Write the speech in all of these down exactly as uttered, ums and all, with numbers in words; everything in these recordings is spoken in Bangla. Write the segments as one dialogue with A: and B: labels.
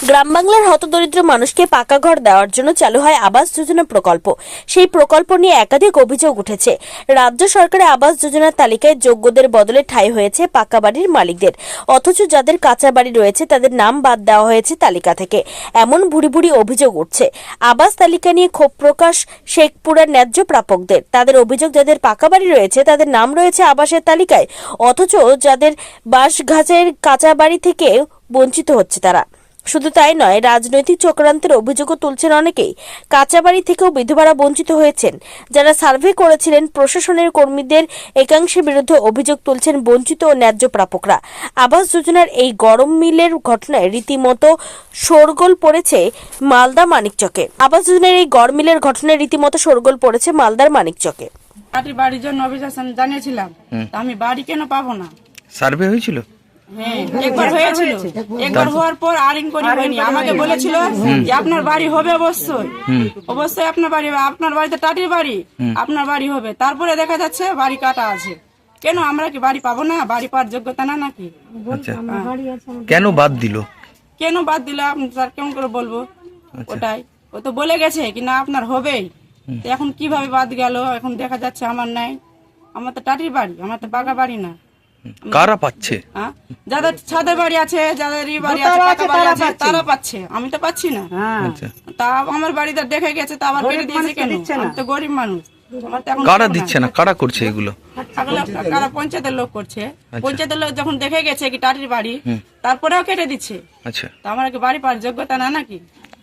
A: গ্রাম বাংলার হতদরিদ্র মানুষকে পাকা ঘর দেওয়ার জন্য চালু হয় আবাস যোজনা প্রকল্প। সেই প্রকল্প নিয়ে একাধিক অভিযোগ উঠেছে। রাজ্য সরকারের আবাস যোজনার তালিকায় যোগ্যদের বদলে ঠাঁই হয়েছে পাকা বাড়ির মালিকদের, অথচ যাদের কাঁচা বাড়ি রয়েছে তাদের নাম বাদ দেওয়া হয়েছে তালিকা থেকে। এমন ভুরি ভুরি অভিযোগ উঠছে। আবাস তালিকা নিয়ে ক্ষোভ প্রকাশ শেখপুরের ন্যায্য প্রাপকদের। তাদের অভিযোগ, যাদের পাকা বাড়ি রয়েছে তাদের নাম রয়েছে আবাসের তালিকায়, অথচ যাদের বাঁশঘাটের কাঁচা বাড়ি থেকে বঞ্চিত হচ্ছে তারা। শুধু তাই নয়, রাজনৈতিক চক্রান্তের অভিযোগও তুলছেন অনেকেই। কাঁচা বাড়ি থেকেও বিধবারা বঞ্চিত হয়েছেন। যারা সার্ভে করেছিলেন প্রশাসনের কর্মীদের একাংশের বিরুদ্ধে অভিযোগ তুলছেন বঞ্চিত ও ন্যায্য প্রাপকরা। আবাস যোজনার এই গরম মিলের ঘটনায় রীতিমতো শোরগোল পড়েছে মালদা মানিকচকে। আবাস যোজনার এই গরম মিলের ঘটনায় রীতিমতো শোরগোল পড়েছে মালদার মানিকচকে।
B: বাড়ির জন্য অভিযোগ জানিয়েছিলাম, আমি বাড়ি কেন পাবো না?
C: সার্ভে হয়েছিল,
B: একবার হয়েছিল, একবার হওয়ার পর আর ইনকোয়ারি হয়নি। আমাকে বলেছিল যে আপনার বাড়ি হবে, অবশ্যই অবশ্যই আপনার বাড়ি হবে, আপনার বাড়িতে টাটির বাড়ি, আপনার বাড়ি হবে। তারপরে দেখা যাচ্ছে বাড়ি কাটা আছে। কেন আমরা কি বাড়ি পাবো না? বাড়ি পাওয়ার যোগ্যতা না নাকি?
C: কেন বাদ দিল?
B: কেন বাদ দিল স্যার, কেমন করে বলবো? ওটাই ও তো বলে গেছে কি না আপনার হবেই, এখন কিভাবে বাদ গেল? এখন দেখা যাচ্ছে আমার নাই, আমার তো টাটির বাড়ি, আমার তো পাকা বাড়ি না।
C: কারা পাচ্ছে?
B: যাদের ছাদের বাড়ি আছে, যাদের বাড়ি আছে, পাকা বাড়ি আছে, তারা পাচ্ছে, আমি তো পাচ্ছি না। তা আমার বাড়িতে দেখে গেছে, তা আবার কেটে দিয়েছে কেন? আমি তো গরিব মানুষ।
C: কারা দিচ্ছে না, কারা করছে এগুলো?
B: কারা? পঞ্চায়েতের লোক করছে। পঞ্চায়েতের লোক যখন দেখে গেছে কি টাটির বাড়ি, তারপরেও কেটে দিচ্ছে।
C: আচ্ছা,
B: তা আমার কি বাড়ি পাওয়ার যোগ্যতা না নাকি?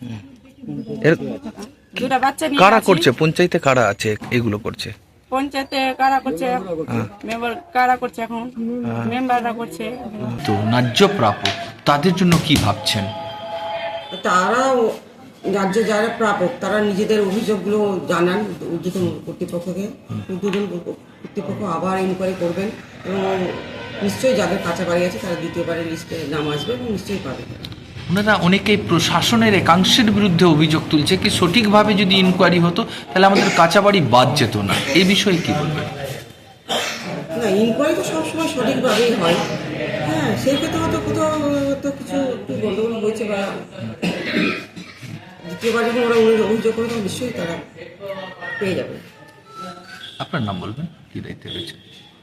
B: দুটা বাচ্চা নিয়ে
C: কারা করছে? পঞ্চায়েতে কারা আছে এগুলো করছে?
B: পঞ্চায়েতে কারা করছে, মেম্বার কারা করছে, এখন মেম্বাররা করছে।
D: তো ন্যায্য প্রাপক তাদের জন্য কি ভাবছেন?
E: তারা রাজ্য যারা প্রাপক তারা নিজেদের অভিযোগগুলো জানান ঊর্ধ্বতন কর্তৃপক্ষকে। ঊর্ধ্বতন কর্তৃপক্ষ আবার ইনকোয়ারি করবেন এবং নিশ্চয়ই যাদের কাঁচা বাড়ি আছে তারা দ্বিতীয়বারের লিস্টে নাম আসবে এবং নিশ্চয়ই পাবে।
D: ওনারা অনেকেই প্রশাসনের একাংশের বিরুদ্ধে অভিযোগ তুলছে কি সঠিকভাবে যদি ইনকোয়ারি হতো তাহলে আমাদের কাঁচা বাড়ি বাদ যেত না। এই বিষয়ে কি বলবেন?
E: না, ইনকোয়ারি তো সবসময় সঠিকভাবেই হয়। হ্যাঁ, সেই ক্ষেত্রে হয়তো কোথাও তো কিছু একটু গন্ডগোল হয়েছে বা দ্বিতীয়বার যখন ওরা অভিযোগ করে তখন নিশ্চয়ই তারা পেয়ে যাবে।
D: আপনার নাম বলবেন, কি দায়িত্বে রয়েছে?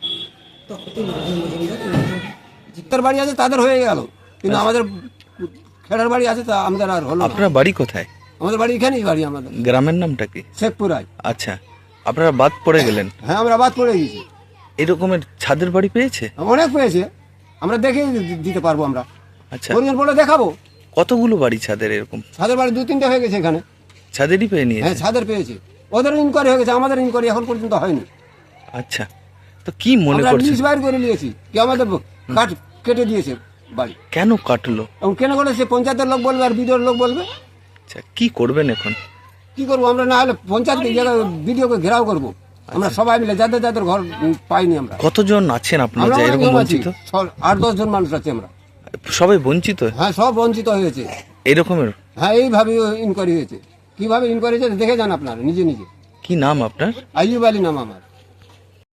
F: তার বাড়ি আছে তাদের হয়ে গেল, কিন্তু আমাদের খেলার বাড়ি আছে তা আমাদের আর হলো।
C: আপনার বাড়ি কোথায়?
F: আমাদের বাড়ি এখানেই বাড়ি। আমাদের
C: গ্রামের নামটা কি?
F: শেখপুরায়।
C: আচ্ছা, আপনারা বাদ পড়ে গেলেন?
F: হ্যাঁ, আমরা বাদ পড়ে গেছি।
C: এরকমের ছাদের বাড়ি পেয়েছে?
F: অনেক পেয়েছে, আমরা দেখে দিতে পারবো। আমরা
C: আচ্ছা,
F: প্রয়োজন পড়লে দেখাবো।
C: কতগুলো বাড়ি ছাদের এরকম?
F: ছাদের বাড়ি দু তিনটা হয়ে গেছে এখানে।
C: ছাদেরই পেয়ে নিয়েছে?
F: হ্যাঁ, ছাদের পেয়েছে। ওদের ইনকোয়ারি হয়ে গেছে, আমাদের ইনকোয়ারি এখন পর্যন্ত হয়নি।
C: আচ্ছা, তো কি মনে
F: আমরা
C: করছেন?
F: লিস্ট বাইর করে নিয়েছি কি আমাদের কাট কেটে দিয়েছে বাড়ি।
C: কেন কাটলো?
F: এবং কেন করে সে পঞ্চায়েতের লোক বলবে আর বিডিওর লোক বলবে।
C: আচ্ছা, কি করবেন এখন?
F: কি করবো আমরা? না হলে পঞ্চায়েতকে জায়গায় বিডিওকে ঘেরাও করবো আমরা সবাই মিলে, যাদের যাদের ঘর পাইনি। আমরা
C: কতজন আছেন আপনারা
F: আমরা
C: যে এরকম
F: অনেক আছি,
C: বঞ্চিত?
F: আট দশ জন মানুষ আছে আমরা।
C: সবাই বঞ্চিত?
F: হ্যাঁ, সব বঞ্চিত হয়েছে
C: এরকমের?
F: হ্যাঁ, এইভাবে ইনকোয়ারি হয়েছে। কিভাবে ইনকোয়ারি হয়েছে দেখে যান আপনারা নিজে নিজে।
C: কি নাম আপনার?
F: আইয়ুব আলী নাম আমার।